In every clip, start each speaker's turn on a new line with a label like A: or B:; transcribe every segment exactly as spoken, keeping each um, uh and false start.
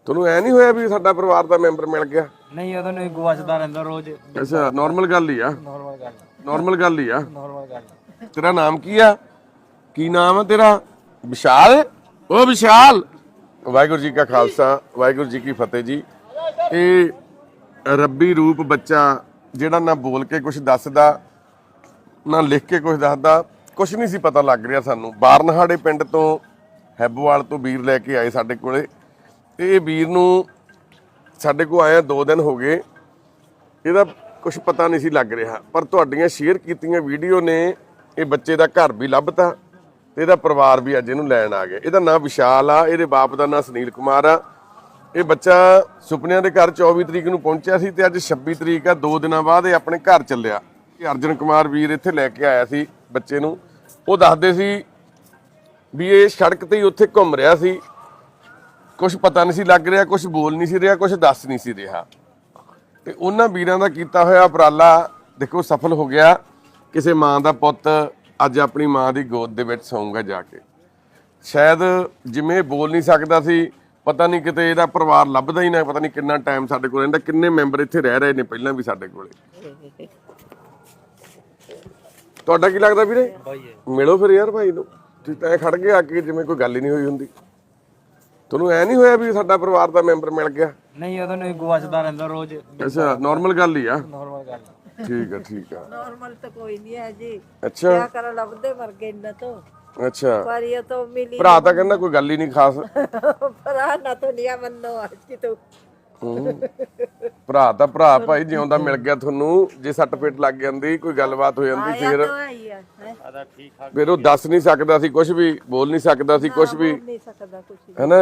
A: ਤੁਹਾਨੂੰ ਐ ਨਹੀਂ ਹੋਇਆ ਵੀ ਸਾਡਾ ਪਰਿਵਾਰ ਦਾ ਮੈਂਬਰ ਮਿਲ ਗਿਆ?
B: ਨਹੀਂ ਉਹਦਾ ਨਹੀਂ ਗੁਆਚਦਾ ਰਹਿੰਦਾ ਰੋਜ਼।
A: ਅੱਛਾ ਨਾਰਮਲ ਗੱਲ ਹੀ ਆ,
B: ਨਾਰਮਲ ਗੱਲ
A: ਨਾਰਮਲ ਗੱਲ ਹੀ ਆ।
B: ਨਾਰਮਲ ਗੱਲ।
A: ਤੇਰਾ ਨਾਮ ਕੀ ਆ? ਕੀ ਨਾਮ ਆ ਤੇਰਾ? ਵਿਸ਼ਾਲ। ਉਹ ਵਿਸ਼ਾਲ, ਵਾਹਿਗੁਰੂ ਜੀ ਕਾ ਖਾਲਸਾ ਵਾਹਿਗੁਰੂ ਜੀ ਕੀ ਫਤਿਹ ਜੀ। ਇਹ ਰੱਬੀ ਰੂਪ ਬੱਚਾ ਜਿਹੜਾ ਨਾ ਬੋਲ ਕੇ ਕੁਝ ਦੱਸਦਾ ਨਾ ਲਿਖ ਕੇ ਕੁਝ ਦੱਸਦਾ, ਕੁਝ ਨਹੀਂ ਸੀ ਪਤਾ ਲੱਗ ਰਿਹਾ ਸਾਨੂੰ। ਬਾਰਨਹਾੜੇ ਪਿੰਡ ਤੋਂ ਹੈਬੋਵਾਲ ਤੋਂ ਵੀਰ ਲੈ ਕੇ ਆਏ ਸਾਡੇ ਕੋਲੇ। ਇਹ ਵੀਰ ਨੂੰ ਸਾਡੇ ਕੋਲ ਆਇਆ ਦੋ ਦਿਨ ਹੋ ਗਏ, ਇਹਦਾ ਕੁਝ ਪਤਾ ਨਹੀਂ ਸੀ ਲੱਗ ਰਿਹਾ, ਪਰ ਤੁਹਾਡੀਆਂ ਸ਼ੇਅਰ ਕੀਤੀਆਂ ਵੀਡੀਓ ਨੇ ਇਹ ਬੱਚੇ ਦਾ ਘਰ ਵੀ ਲੱਭਤਾ ਤੇ ਇਹਦਾ ਪਰਿਵਾਰ ਵੀ ਅੱਜ ਇਹਨੂੰ ਲੈਣ ਆ ਗਿਆ। ਇਹਦਾ ਨਾਮ ਵਿਸ਼ਾਲ ਆ, ਇਹਦੇ ਬਾਪ ਦਾ ਨਾਮ ਸੁਨੀਲ ਕੁਮਾਰ ਆ। ਇਹ ਬੱਚਾ ਸੁਪਨਿਆਂ ਦੇ ਘਰ ਚੌਵੀ ਤਰੀਕ ਨੂੰ ਪਹੁੰਚਿਆ ਸੀ ਤੇ ਅੱਜ ਛੱਬੀ ਤਰੀਕ ਆ, ਦੋ ਦਿਨਾਂ ਬਾਅਦ ਇਹ ਆਪਣੇ ਘਰ ਚੱਲਿਆ। ਇਹ ਅਰਜਨ ਕੁਮਾਰ ਵੀਰ ਇੱਥੇ ਲੈ ਕੇ ਆਇਆ ਸੀ ਬੱਚੇ ਨੂੰ। ਉਹ ਦੱਸਦੇ ਸੀ ਵੀ ਇਹ ਸੜਕ ਤੇ ਹੀ ਉੱਥੇ ਘੁੰਮ ਰਿਹਾ ਸੀ, ਕੁਝ ਪਤਾ ਨਹੀਂ ਸੀ ਲੱਗ ਰਿਹਾ, ਕੁਝ ਬੋਲ ਨਹੀਂ ਸੀ ਰਿਹਾ, ਕੁਝ ਦੱਸ ਨਹੀਂ ਸੀ ਰਿਹਾ। ਤੇ ਉਹਨਾਂ ਵੀਰਾਂ ਦਾ ਕੀਤਾ ਹੋਇਆ ਉਪਰਾਲਾ ਦੇਖੋ ਸਫਲ ਹੋ ਗਿਆ। ਕਿਸੇ ਮਾਂ ਦਾ ਪੁੱਤ ਅੱਜ ਆਪਣੀ ਮਾਂ ਦੀ ਗੋਦ ਦੇ ਵਿੱਚ ਸੌਂਗਾ ਜਾ ਕੇ। ਸ਼ਾਇਦ ਜਿਵੇਂ ਬੋਲ ਨਹੀਂ ਸਕਦਾ ਸੀ, ਪਤਾ ਨਹੀਂ ਕਿਤੇ ਇਹਦਾ ਪਰਿਵਾਰ ਲੱਭਦਾ ਹੀ ਨਾ, ਪਤਾ ਨਹੀਂ ਕਿੰਨਾ ਟਾਈਮ ਸਾਡੇ ਕੋਲ ਰਹਿੰਦਾ, ਕਿੰਨੇ ਮੈਂਬਰ ਇੱਥੇ ਰਹਿ ਰਹੇ ਨੇ ਪਹਿਲਾਂ ਵੀ ਸਾਡੇ ਕੋਲੇ। ਤੁਹਾਡਾ ਕੀ ਲੱਗਦਾ ਵੀਰੇ? ਮਿਲੋ ਫਿਰ ਯਾਰ ਭਾਈ ਨੂੰ। ਤੁਸੀਂ ਤਾਂ ਖੜ ਗਏ ਆ ਕੇ ਜਿਵੇਂ ਕੋਈ ਗੱਲ ਹੀ ਨਹੀਂ ਹੋਈ ਹੁੰਦੀ। ਤੁਹਾਨੂੰ ਐ ਨਹੀਂ ਹੋਇਆ ਵੀ ਸਾਡਾ ਪਰਿਵਾਰ ਦਾ ਮੈਂਬਰ ਮਿਲ ਗਿਆ?
B: ਨਹੀਂ ਉਹਦਾ ਨਹੀਂ ਗੁਆਚਦਾ ਰਹਿੰਦਾ ਰੋਜ਼।
A: ਅੱਛਾ ਨਾਰਮਲ ਗੱਲ ਹੀ ਆ।
B: ਨਾਰਮਲ ਗੱਲ।
A: ਠੀਕ ਆ ਠੀਕ ਆ।
C: नॉर्मल तो कोई नहीं है जी।
A: ਅੱਛਾ
C: क्या करा लभदे मर गए ना तो
A: ਅੱਛਾ।
C: पर ये तो मिली
A: ਭਰਾ ਤਾਂ ਕਹਿੰਦਾ ਕੋਈ ਗੱਲ ਹੀ ਨਹੀਂ ਖਾਸ।
C: भरा ना तो लिया मनो आज की तो
A: ਹੂੰ। ਭਰਾ ਤਾਂ ਭਰਾ ਭਾਈ ਜਿਉਂਦਾ ਮਿਲ ਗਿਆ ਤੁਹਾਨੂੰ। ਜੇ ਸੱਟ ਫੇਟ ਲੱਗ ਜਾਂਦੀ, ਕੋਈ ਗੱਲਬਾਤ ਹੋ ਜਾਂਦੀ,
C: आया
A: ਫਿਰ
C: तो आई है हैं?
B: ਆਦਾ ਠੀਕ ਠਾਕ।
A: ਫਿਰ ਉਹ ਦੱਸ ਨਹੀਂ ਸਕਦਾ ਸੀ ਕੁਝ ਵੀ, ਬੋਲ ਨਹੀਂ ਸਕਦਾ ਸੀ ਕੁਝ ਵੀ,
C: बोल नहीं सकता कुछ
A: है ना।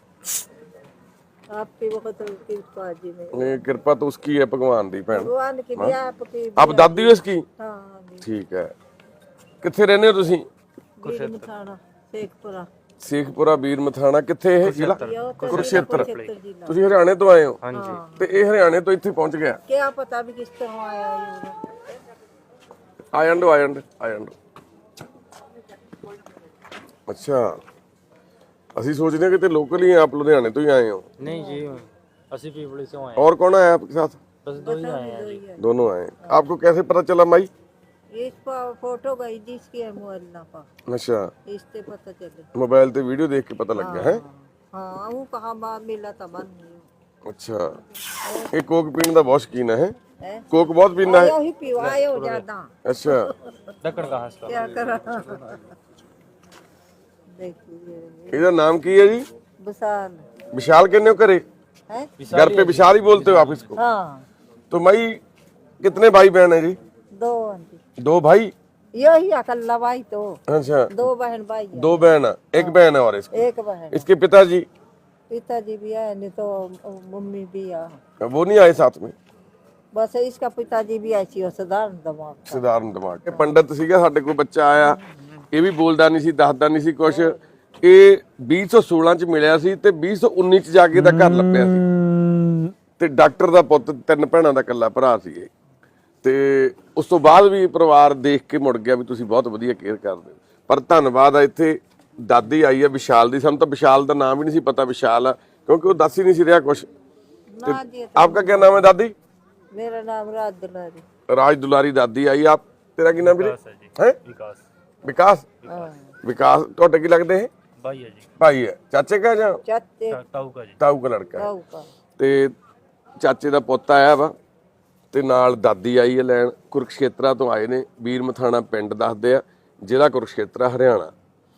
C: आपकी बहुत कृपा जी में
A: ये कृपा तो उसकी है, भगवान दी भैन।
C: भगवान की भी आपकी
A: आप दादी हो इसकी?
C: हाँ जी
A: ठीक है। ਕਿੱਥੇ ਰਹਿੰਦੇ ਹੋ ਤੁਸੀਂ?
C: वीर मथाना शेखपुरा
A: ਸੇਖਪੁਰਾ ਵੀਰ ਮਥਾਣਾ। ਕਿੱਥੇ ਇਹ ਜ਼ਿਲ੍ਹਾ?
C: यो तो
A: ਕੁਰੂਕਸ਼ੇਤਰ।
C: क्षेत्र जिला
A: ਤੁਸੀਂ ਹਰਿਆਣੇ ਤੋਂ ਆਏ ਹੋ?
B: ਹਾਂਜੀ।
A: ਤੇ ਇਹ ਹਰਿਆਣੇ ਤੋਂ ਇੱਥੇ ਪਹੁੰਚ ਗਿਆ।
C: क्या पता भी किस तरह आया ये
A: ਆ ਜਾਂਦੋ ਆ ਜਾਂਦੋ ਆ ਜਾਂਦੋ। ਅੱਛਾ ਅਸੀਂ सोचते हैं कि लोकल ही हैं आप, लुधियाने तो ही आए हो?
B: नहीं जी ਅਸੀਂ ਪੀਪਲੀ से आए
A: और कौन आया आपके साथ?
B: बस दो ही आए हैं जी।
A: दोनों आए। आपको कैसे पता चला माई?
C: इस पर फोटो गई जिसकी है मोबाइल ना पा
A: अच्छा
C: इससे पता चले।
A: मोबाइल ते वीडियो देख के पता लग गया है।
C: हाँ वो कहाँ बात मिला था बन नहीं
A: अच्छा ये कोक पीने का बहुत शौकीन है?
C: है
A: कोक बहुत पीना है?
C: वही पीवाए हो ज्यादा
A: अच्छा
B: ढक्कन कहाँ से?
C: क्या करा देखिए
A: ਇਹਦਾ ਨਾਮ ਕੀ है जी?
C: बसाल
A: विशाल कहने हो करे?
C: है
A: घर पे विशाल ही बोलते हो आप इसको?
C: हाँ
A: तो माई कितने भाई बहन है जी?
C: दो आंटी
A: दो भाई?
C: यही अकल्ला भाई तो
A: अच्छा
C: दो बहन भाई है।
A: दो बहन है, एक बहन है और इसकी।
C: एक बहन
A: इसके पिताजी
C: पिताजी भी है नहीं तो मम्मी भी है।
A: वो नहीं आए साथ में?
C: बस इसका पिताजी भी ऐसी हो साधारण दिमाग का।
A: ਸਧਾਰਨ ਦਿਮਾਗ। ਇਹ ਪੰਡਤ ਸੀਗਾ ਸਾਡੇ ਕੋਲ ਬੱਚਾ ਆਇਆ, ਇਹ ਵੀ ਬੋਲਦਾ ਨਹੀਂ ਸੀ, ਦੱਸਦਾ ਨਹੀਂ ਸੀ ਕੁਛ। ਇਹ ਵੀਹ ਸੌ ਸੋਲਾਂ ਚ ਮਿਲਿਆ ਸੀ ਤੇ ਵੀਹ ਸੌ ਉੱਨੀ ਚ ਜਾ ਕੇ ਇਹਦਾ ਘਰ ਲੱਭਿਆ ਸੀ। ਤੇ ਡਾਕਟਰ ਦਾ ਪੁੱਤ, ਤਿੰਨ ਭੈਣਾਂ ਦਾ ਇਕੱਲਾ ਭਰਾ ਸੀ ਇਹ। ਤੇ ਉਸ ਤੋਂ ਬਾਅਦ ਵੀ ਪਰਿਵਾਰ ਦੇਖ ਕੇ ਮੁੜ ਗਿਆ ਵੀ ਤੁਸੀਂ ਬਹੁਤ ਵਧੀਆ ਕੇਅਰ ਕਰਦੇ ਹੋ। ਪਰ ਧੰਨਵਾਦ ਆ ਇੱਥੇ ਦਾਦੀ ਆਈ ਆ ਵਿਸ਼ਾਲ ਦੀ। ਸਾਨੂੰ ਤਾਂ ਵਿਸ਼ਾਲ ਦਾ ਨਾਮ ਹੀ ਨਹੀਂ ਸੀ ਪਤਾ ਵਿਸ਼ਾਲ ਆ, ਕਿਉਂਕਿ ਉਹ ਦੱਸ ਹੀ ਨਹੀਂ ਸੀ ਰਿਹਾ ਕੁਛ।
C: ना जी
A: आपका क्या नाम है दादी?
C: मेरा नाम राज दुलारी।
A: राज दुलारी दादी आई। आप तेरा की नाम ਵੀਰੇ? ਹੈ
B: विकास
A: ਵਿਕਾਸ।
C: हाँ
A: ਵਿਕਾਸ ਤੁਹਾਡੇ ਕੀ ਲੱਗਦੇ ਹੈ?
B: भाई है जी।
A: ਭਾਈ ਹੈ? ਚਾਚੇ ਕਾ ਜਾਂ
C: चाचे
B: ताऊ का जी।
A: ਤਾਊ ਦਾ ਲੜਕਾ ਹੈ?
C: ताऊ का
A: ਤੇ ਚਾਚੇ ਦਾ ਪੁੱਤ ਆਇਆ ਵਾ ਤੇ ਨਾਲ ਦਾਦੀ ਆਈ ਹੈ ਲੈਣ। ਕੁਰੂਕਸ਼ੇਤਰਾ ਤੋਂ ਆਏ ਨੇ। ਵੀਰ ਮਥਾਣਾ ਪਿੰਡ ਦੱਸਦੇ ਆ, ਜ਼ਿਲ੍ਹਾ ਕੁਰੂਕਸ਼ੇਤਰਾ ਹਰਿਆਣਾ।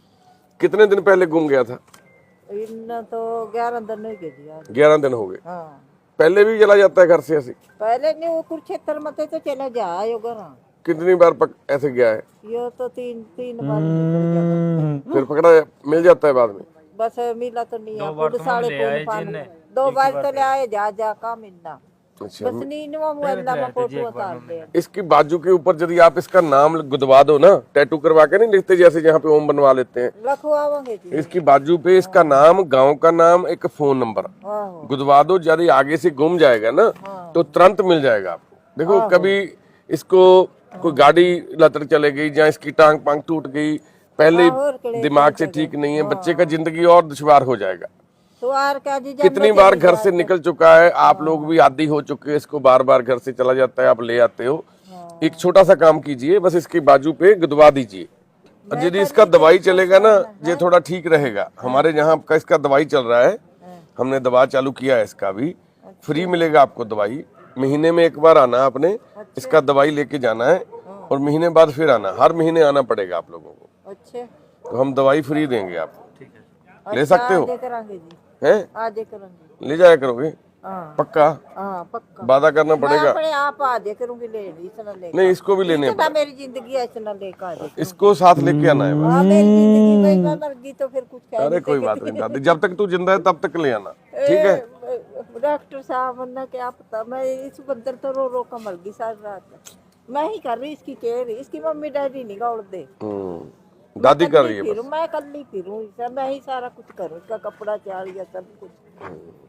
A: कितने दिन पहले गुम गया था?
C: इतना तो ग्यारह दिन हो गए जी आज।
A: ग्यारह दिन हो गए।
C: हाँ
A: पहले भी चला जाता है घर से ऐसे?
C: पहले नहीं वो कुरुक्षेत्र में थे तो चला जाए घर।
A: कितनी बार पक, ऐसे गया है?
C: ये तो तीन तीन बार निकल गया।
A: फिर पकड़ा मिल जाता है बाद में?
C: बस मिला तो नहीं है खुद साढ़े तीन पान दो बार तो ले आए जा जा का मिलना।
A: अच्छा
C: बस नींद में मुअल्ला में फोटो उतार दे।
A: इसकी बाजू के ऊपर यदि आप इसका नाम गुदवा दो ना, टैटू करवा के नहीं लिखते जैसे जहाँ पे ओम बनवा लेते हैं,
C: रखवाओगे जी।
A: इसकी बाजू पे इसका नाम, गांव का नाम, एक फोन नंबर
C: आहो
A: गुदवा दो। यदि आगे से गुम जाएगा ना तो तुरंत मिल जाएगा आपको। देखो कभी इसको कोई गाड़ी लतर चले गई या इसकी टांग पांग टूट गई, पहले
C: और कड़े
A: दिमाग से ठीक नहीं है, बच्चे का जिंदगी और दुश्वार हो जाएगा।
C: तो और क्या जी, जब
A: कितनी
C: मैं
A: बार
C: चली
A: घर से
C: जाती-
A: निकल चुका है, आप लोग भी आदी हो चुके हैं इसको, बार बार घर से चला जाता है, आप ले आते हो। एक छोटा सा काम कीजिए, बस इसके बाजू पे गुदवा दीजिए, और यदि इसका दवाई चलेगा ना ये थोड़ा ठीक रहेगा। हमारे यहाँ का इसका दवाई चल रहा है, हमने दवा चालू किया है, इसका भी फ्री मिलेगा आपको दवाई। महीने में एक बार आना आपने, इसका दवाई लेके जाना है, और महीने बाद फिर आना, हर महीने आना पड़ेगा आप लोगों को।
C: अच्छा
A: तो हम दवाई फ्री देंगे आपको,
B: ठीक है।
A: ले सकते हो,
C: आजे करांगे जी,
A: हैं?
C: आजे करांगे।
A: ले जाया करोगे
C: हाँ
A: पक्का?
C: हाँ पक्का।
A: वादा करना
C: मैं
A: पड़ेगा।
C: अपने आप आजे करूंगी, ले ली इतना ले।
A: नहीं, इसको भी लेने
C: इतना मेरी जिंदगी है, इतना लेकर आजे।
A: इसको साथ लेके आना है बस।
C: हाँ मेरी जिंदगी भाई, मैं मर गई तो फिर कुछ कह
A: अरे
C: नहीं
A: कोई बात नहीं दादी, जब तक तू जिंदा है तब तक ले आना, ठीक है?
C: सकती। डॉक्टर साहब वरना क्या पता, मैं इस बंदर तो रो रो कर मर गई सारी रात। मैं ही कर रही इसकी केयर, इसकी मम्मी डैडी नहीं गौड़ दे,
A: हम्म, दादी कर रही है
C: फिरूं
A: बस।
C: मैं कल ही फिरूं, इसका मैं ही सारा कुछ करूं, इसका कपड़ा चाड़िया सब कुछ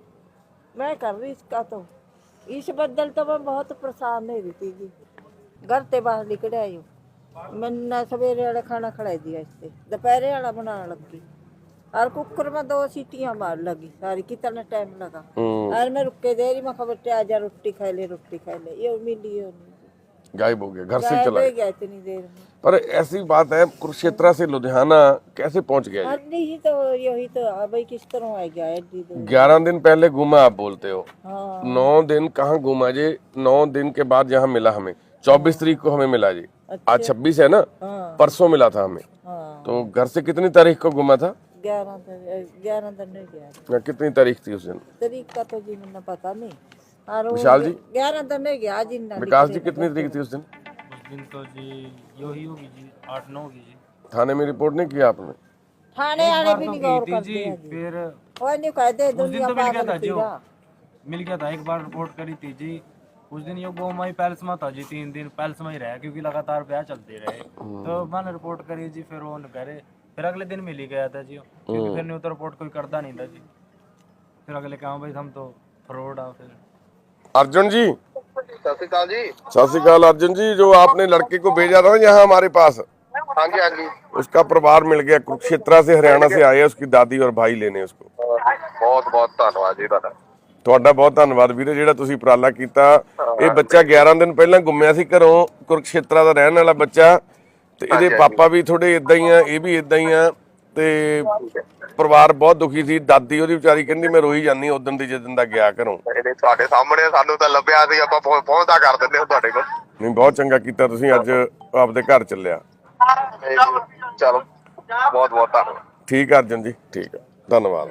C: मैं कर रही इसका। तो इस बदल तो मैं बहुत परेशान नहीं रहती जी। घर ते बाहर निकल आई हूँ, मैंने सवेरे वाला खाना खड़ा दिया, इससे दोपहरे वाला बनाने लगी, और कुकर में दो सीटियां मार लगी सारी, कितना टाइम लगा।
A: हम्म,
C: और मैं रुक के दे रही, मैं खबर ते आजा रोटी खा ले, रोटी खा ले, ये मिली ये नहीं।
A: गायब हो गया, घर से
C: गायब
A: चला
C: हो
A: गया।
C: गया इतनी देर में।
A: पर ऐसी बात है, कुरुक्षेत्र से लुधियाना कैसे पहुंच गया ये?
C: अरे ही तो यही तो अब भाई किस तरह आ गया है दीदी।
A: ग्यारह दिन पहले घूमा आप बोलते हो,
C: हाँ
A: नौ दिन कहाँ घूमा जी? नौ दिन के बाद यहाँ मिला हमें, चौबीस तारीख को हमें मिला जी, आज छब्बीस है ना,
C: हाँ
A: परसों मिला था हमें।
C: हाँ
A: तो घर से कितनी तारीख को घूमा था?
C: ग्यारह दिन, ग्यारह दिन नहीं गया,
A: या कितनी तारीख थी उस दिन?
C: तारीख का तो जी मैंने पता नहीं। और वो
A: विशाल जी?
C: ग्यारह दिन नहीं गया जी ना।
A: विकास जी कितनी तारीख थी उस दिन?
B: उस दिन तो जी यो ही होगी जी, आठ नौ होगी जी।
A: थाने में रिपोर्ट नहीं किया आपने?
C: थाने आने भी
B: तो
C: नहीं
B: की
C: गौर
B: थी
C: करते
B: जी,
C: हैं जी।
B: फिर
C: वो नहीं कहते
B: उस दिन
C: दुनिया
B: तो मिल गया
C: पागल
B: था जी, वो
C: फिरा।
B: मिल गया था, एक बार रिपोर्ट करी थी जी। उस दिन यो गो माई पैलेस में था जी, तीन दिन पैलेस में ही रहा, क्योंकि लगातार ब्याह चलते रहे। तो मैंने रिपोर्ट करी जी, फिर वो न करे, फिर अगले दिन मिल ही गया था जी, क्योंकि फिर नहीं तो रिपोर्ट कोई करता नहीं था जी। फिर अगले कहा भाई हम तो फ्रॉड आ। फिर
A: अर्जुन जी,
D: सत श्री अकाल जी।
A: सत श्री अकाल अर्जुन जी, जो आपने लड़के को भेजा था ना यहाँ हमारे पास,
D: हाँ जी हाँ जी,
A: उसका परिवार मिल गया, कुरुक्षेत्र से हरियाणा से आए, उसकी दादी और भाई लेने उसको।
D: ਬਹੁਤ ਬਹੁਤ ਧੰਨਵਾਦ ਜੀ ਤੁਹਾਡਾ।
A: ਤੁਹਾਡਾ ਬਹੁਤ ਧੰਨਵਾਦ ਵੀਰੇ, ਜਿਹੜਾ ਤੁਸੀਂ ਉਪਰਾਲਾ ਕੀਤਾ। ਇਹ ਬੱਚਾ ਗਿਆਰਾਂ ਦਿਨ ਪਹਿਲਾਂ ਗੁੰਮਿਆ ਸੀ ਘਰੋਂ, ਕੁਰਕਸ਼ੇਤਰਾ ਦਾ ਰਹਿਣ ਵਾਲਾ ਬੱਚਾ, ਤੇ ਇਹਦੇ ਪਾਪਾ ਵੀ ਥੋੜੇ ਇਦਾਂ ਹੀ ਆ, ਇਹ ਵੀ ਇਦਾਂ ਹੀ ਆ, ਤੇ ਪਰਿਵਾਰ ਬਹੁਤ ਦੁਖੀ ਸੀ। ਦਾਦੀ ਉਹਦੀ ਵਿਚਾਰੀ ਕਹਿੰਦੀ ਮੈਂ ਰੋਈ ਜਾਂਦੀ ਉਦੋਂ ਦੀ ਜਦੋਂ ਦਾ ਗਿਆ ਘਰੋਂ।
D: ਇਹਦੇ ਤੁਹਾਡੇ ਸਾਹਮਣੇ ਸਾਨੂੰ ਤਾਂ ਲੱਭਿਆ ਸੀ, ਆਪਾਂ ਪਹੁੰ- ਪਹੁੰਚਦਾ ਕਰ ਦਿੰਦੇ ਹਾਂ ਤੁਹਾਡੇ ਕੋਲ।
A: ਨਹੀਂ, ਬਹੁਤ ਚੰਗਾ ਕੀਤਾ ਤੁਸੀਂ, ਅੱਜ ਆਪਦੇ ਘਰ ਚੱਲਿਆ।
D: ਤੇ ਚਲੋ ਬਹੁਤ ਬਹੁਤ ਧੰਨਵਾਦ।
A: ਠੀਕ ਆ ਅਰਜਨ ਜੀ, ਠੀਕ ਆ, ਧੰਨਵਾਦ।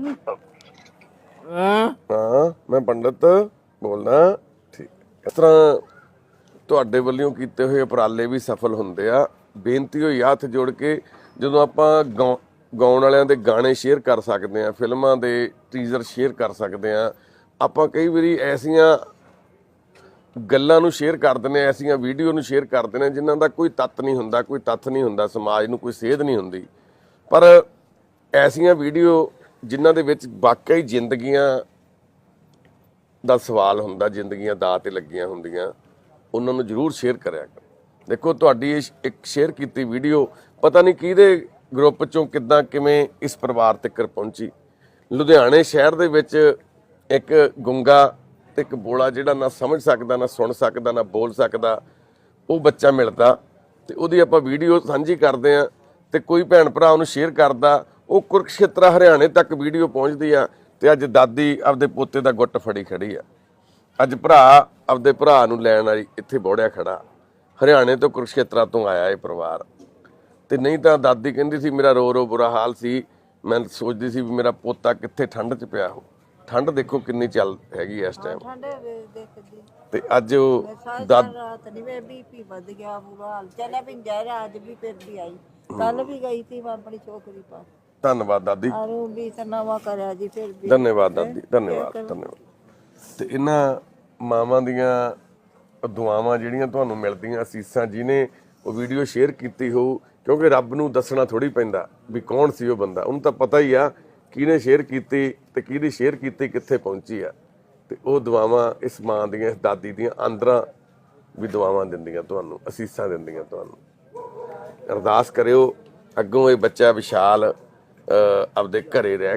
A: ਹਾਂ, ਮੈਂ ਪੰਡਤ ਬੋਲਦਾ। ਠੀਕ, ਇਸ ਤਰ੍ਹਾਂ ਤੁਹਾਡੇ ਵੱਲੋਂ ਕੀਤੇ ਹੋਏ ਉਪਰਾਲੇ ਵੀ ਸਫਲ ਹੁੰਦੇ ਆ। ਬੇਨਤੀ ਹੋਈ ਹੱਥ ਜੋੜ ਕੇ, ਜਦੋਂ ਆਪਾਂ ਗਾਉ ਗਾਉਣ ਵਾਲਿਆਂ ਦੇ ਗਾਣੇ ਸ਼ੇਅਰ ਕਰ ਸਕਦੇ ਆ, ਫਿਲਮਾਂ ਦੇ ਟੀਜ਼ਰ ਸ਼ੇਅਰ ਕਰ ਸਕਦੇ ਆ, ਆਪਾਂ ਕਈ ਵਾਰੀ ਐਸੀਆਂ ਗੱਲਾਂ ਨੂੰ ਸ਼ੇਅਰ ਕਰ ਦਿੰਦੇ ਆ, ਐਸੀਆਂ ਵੀਡੀਓ ਨੂੰ ਸ਼ੇਅਰ ਕਰ ਦਿੰਦੇ ਆ ਜਿਨ੍ਹਾਂ ਦਾ ਕੋਈ ਤੱਤ ਨਹੀਂ ਹੁੰਦਾ, ਕੋਈ ਤੱਥ ਨਹੀਂ ਹੁੰਦਾ, ਸਮਾਜ ਨੂੰ ਕੋਈ ਸੇਧ ਨਹੀਂ ਹੁੰਦੀ। ਪਰ ਐਸੀਆਂ ਵੀਡੀਓ ਜਿਨ੍ਹਾਂ ਦੇ ਵਿੱਚ ਵਾਕਈ ਜ਼ਿੰਦਗੀਆਂ ਦਾ ਸਵਾਲ ਹੁੰਦਾ, ਜ਼ਿੰਦਗੀਆਂ ਦਾਅ ਤੇ ਲੱਗੀਆਂ ਹੁੰਦੀਆਂ, ਉਹਨਾਂ ਨੂੰ ਜ਼ਰੂਰ ਸ਼ੇਅਰ ਕਰਿਆ ਕਰੋ। ਦੇਖੋ, ਤੁਹਾਡੀ ਇਹ ਇੱਕ ਸ਼ੇਅਰ ਕੀਤੀ ਵੀਡੀਓ ਪਤਾ ਨਹੀਂ ਕਿਹਦੇ ਗਰੁੱਪ ਚੋਂ ਕਿੱਦਾਂ ਕਿਵੇਂ ਇਸ ਪਰਿਵਾਰ ਤੱਕ ਪਹੁੰਚੀ। ਲੁਧਿਆਣੇ ਸ਼ਹਿਰ ਦੇ ਵਿੱਚ ਇੱਕ ਗੁੰਗਾ ਤੇ ਇੱਕ ਬੋਲਾ, ਜਿਹੜਾ ਨਾ ਸਮਝ ਸਕਦਾ, ਨਾ ਸੁਣ ਸਕਦਾ, ਨਾ ਬੋਲ ਸਕਦਾ, ਉਹ ਬੱਚਾ ਮਿਲਦਾ, ਤੇ ਉਹਦੀ ਆਪਾਂ ਵੀਡੀਓ ਸਾਂਝੀ ਕਰਦੇ ਆ, ਤੇ ਕੋਈ ਭੈਣ ਭਰਾ ਉਹਨੂੰ ਸ਼ੇਅਰ ਕਰਦਾ, ਉਹ ਕੁਰਕਸ਼ੇਤਰਾ ਹਰਿਆਣੇ ਤੱਕ ਵੀਡੀਓ ਪਹੁੰਚਦੀ ਆ, ਤੇ ਅੱਜ ਦਾਦੀ ਆਪਦੇ ਪੋਤੇ ਦਾ ਗੁੱਟ ਫੜੀ ਖੜੀ ਆ। ਅੱਜ ਭਰਾ ਆਪਦੇ ਭਰਾ ਨੂੰ ਲੈਣ ਵਾਲੀ ਇੱਥੇ ਬੋੜਿਆ ਖੜਾ, ਹਰਿਆਣੇ ਤੋਂ ਕੁਰਕਸ਼ੇਤਰਾ ਤੋਂ ਆਇਆ ਇਹ ਪਰਿਵਾਰ। ਤੇ ਨਹੀਂ ਤਾਂ ਦਾਦੀ ਕਹਿੰਦੀ ਸੀ ਮੇਰਾ ਰੋ ਰੋ ਬੁਰਾ ਹਾਲ ਸੀ, ਮੈਂ ਸੋਚਦੀ ਸੀ ਵੀ ਮੇਰਾ ਪੋਤਾ ਕਿੱਥੇ ਠੰਡ 'ਚ ਪਿਆ ਹੋ। ਠੰਡ ਦੇਖੋ ਕਿੰਨੀ ਚੱਲ ਹੈਗੀ ਇਸ ਟਾਈਮ।
C: ਠੰਡੇ ਵੇ ਦੇਖਦੀ
A: ਤੇ ਅੱਜ ਉਹ
C: ਸਾਰੀ
A: ਦਾਦ
C: रात नहीं, मैं बीपी बढ़ गया, बुरा हाल। चले भी जा रहा, आज भी फिर भी आई, कल भी गई थी मैं अपनी छोकरी पास,
A: ਧੰਨਵਾਦ ਦਾਦੀ,
C: और वो भी तनावा करा जी, फिर भी
A: ਧੰਨਵਾਦ ਦਾਦੀ, ਧੰਨਵਾਦ ਧੰਨਵਾਦ। ਤੇ ਇਹਨਾਂ ਮਾਵਾਂ ਦੀਆਂ ਦੁਆਵਾਂ ਜਿਹੜੀਆਂ ਤੁਹਾਨੂੰ ਮਿਲਦੀਆਂ, ਅਸੀਸਾਂ, ਜਿਹਨੇ ਉਹ ਵੀਡੀਓ ਸ਼ੇਅਰ ਕੀਤੀ ਹੋਊ, ਕਿਉਂਕਿ ਰੱਬ ਨੂੰ ਦੱਸਣਾ ਥੋੜੀ ਪੈਂਦਾ ਵੀ ਕੌਣ ਸੀ ਉਹ ਬੰਦਾ, ਉਹਨੂੰ ਤਾਂ ਪਤਾ ਹੀ ਆ ਕਿਹਨੇ ਸ਼ੇਅਰ ਕੀਤੀ ਤੇ ਕਿਹਦੀ ਸ਼ੇਅਰ ਕੀਤੀ ਕਿੱਥੇ ਪਹੁੰਚੀ ਆ। ਤੇ ਉਹ ਦੁਆਵਾਂ ਇਸ ਮਾਂ ਦੀਆਂ, ਇਸ ਦਾਦੀ ਦੀਆਂ ਅੰਦਰਾਂ ਵੀ ਦੁਆਵਾਂ ਦਿੰਦੀਆਂ ਤੁਹਾਨੂੰ, ਅਸੀਸਾਂ ਦਿੰਦੀਆਂ ਤੁਹਾਨੂੰ। ਅਰਦਾਸ ਕਰਿਓ ਅੱਗੋਂ ਇਹ ਬੱਚਾ ਵਿਸ਼ਾਲ ਆਪਦੇ ਘਰੇ ਰਹਿ ਕੇ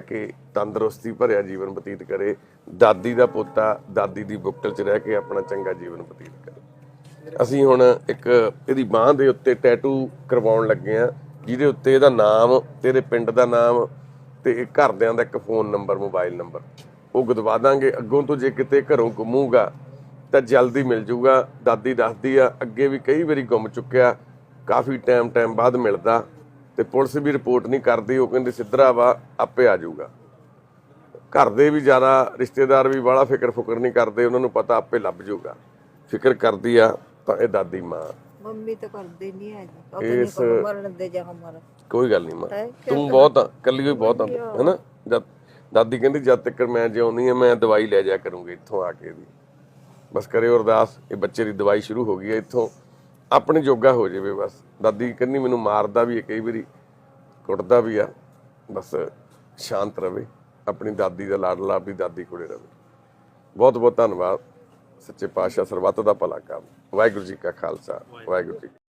A: ਤੰਦਰੁਸਤੀ ਭਰਿਆ ਜੀਵਨ ਬਤੀਤ ਕਰੇ, ਦਾਦੀ ਦਾ ਪੋਤਾ ਦਾਦੀ ਦੀ ਬੁੱਕਲ 'ਚ ਰਹਿ ਕੇ ਆਪਣਾ ਚੰਗਾ ਜੀਵਨ ਬਤੀਤ ਕਰੇ। ਅਸੀਂ ਹੁਣ ਇੱਕ ਇਹਦੀ ਬਾਂਹ ਦੇ ਉੱਤੇ ਟੈਟੂ ਕਰਵਾਉਣ ਲੱਗੇ ਆ, ਜਿਹਦੇ ਉੱਤੇ ਇਹਦਾ ਨਾਮ ਤੇ ਇਹਦੇ ਪਿੰਡ ਦਾ ਨਾਮ ਤੇ ਇਹ ਘਰਦਿਆਂ ਦਾ ਇੱਕ ਫੋਨ ਨੰਬਰ, ਮੋਬਾਈਲ ਨੰਬਰ ਉਹ ਗਦਵਾ ਦਾਂਗੇ। ਅੱਗੋਂ ਤੋਂ ਜੇ ਕਿਤੇ ਘਰੋਂ ਗੁੰਮੂਗਾ ਤਾਂ ਜਲਦੀ ਮਿਲ ਜੂਗਾ। ਦਾਦੀ ਦੱਸਦੀ ਆ ਅੱਗੇ ਵੀ ਕਈ ਵਾਰੀ ਗੁੰਮ ਚੁੱਕਿਆ, ਕਾਫੀ ਟਾਈਮ ਟਾਈਮ ਬਾਅਦ ਮਿਲਦਾ ਤੇ ਪੁਲਿਸ ਵੀ ਰਿਪੋਰਟ ਨਹੀਂ ਕਰਦੀ, ਉਹ ਕਹਿੰਦੇ ਸਿੱਧਰਾ ਵਾ ਆਪੇ ਆ ਜਾਊਗਾ। ਘਰ ਦੇ ਵੀ ਜ਼ਿਆਦਾ, ਰਿਸ਼ਤੇਦਾਰ ਵੀ ਬਾਹਲਾ ਫਿਕਰ ਫੁਕਰ ਨਹੀਂ ਕਰਦੇ, ਉਹਨਾਂ ਨੂੰ ਪਤਾ ਆਪੇ ਲੱਭ ਜਾਊਗਾ। ਫਿਕਰ ਕਰਦੀ ਆ ਤਾਂ ਇਹ ਦਾਦੀ ਮਾਂ।
C: मम्मी तो करते नहीं है जी,
A: इस-
C: अपने को मरण दे जा हमारा।
A: ਕੋਈ ਗੱਲ ਨਹੀਂ ਮਾਂ,
C: ਹੈ,
A: ਤੂੰ ਬਹੁਤ ਆ, ਇਕੱਲੀ ਹੋਈ ਬਹੁਤ ਆ ਹੈਨਾ। ਜਦ ਦਾਦੀ ਕਹਿੰਦੀ ਜਦ ਤੱਕ ਮੈਂ ਜਿਉਂਦੀ ਆ ਮੈਂ ਦਵਾਈ ਲੈ ਜਾ ਕਰੂੰਗੀ ਇੱਥੋਂ ਆ ਕੇ ਦੀ। ਬਸ ਕਰਿਓ ਅਰਦਾਸ, ਇਹ ਬੱਚੇ ਦੀ ਦਵਾਈ ਸ਼ੁਰੂ ਹੋ ਗਈ ਹੈ, ਇੱਥੋਂ ਆਪਣੇ ਜੋਗਾ ਹੋ ਜਾਵੇ ਬਸ। ਦਾਦੀ ਕਹਿੰਦੀ ਮੈਨੂੰ ਮਾਰਦਾ ਵੀ ਹੈ ਕਈ ਵਾਰੀ, ਕੁੱਟਦਾ ਵੀ ਆ, ਬਸ ਸ਼ਾਂਤ ਰਵੇ, ਆਪਣੀ ਦਾਦੀ ਦਾ ਲਾਡਲਾ ਆਪਣੀ ਦਾਦੀ ਕੋਲੇ ਰਵੇ। ਬਹੁਤ ਬਹੁਤ ਧੰਨਵਾਦ। ਸੱਚੇ ਪਾਤਸ਼ਾਹ ਸਰਬੱਤ ਦਾ ਭਲਾ ਕਰਨ। ਵਾਹਿਗੁਰੂ ਜੀ ਕਾ ਖਾਲਸਾ, ਵਾਹਿਗੁਰੂ ਜੀ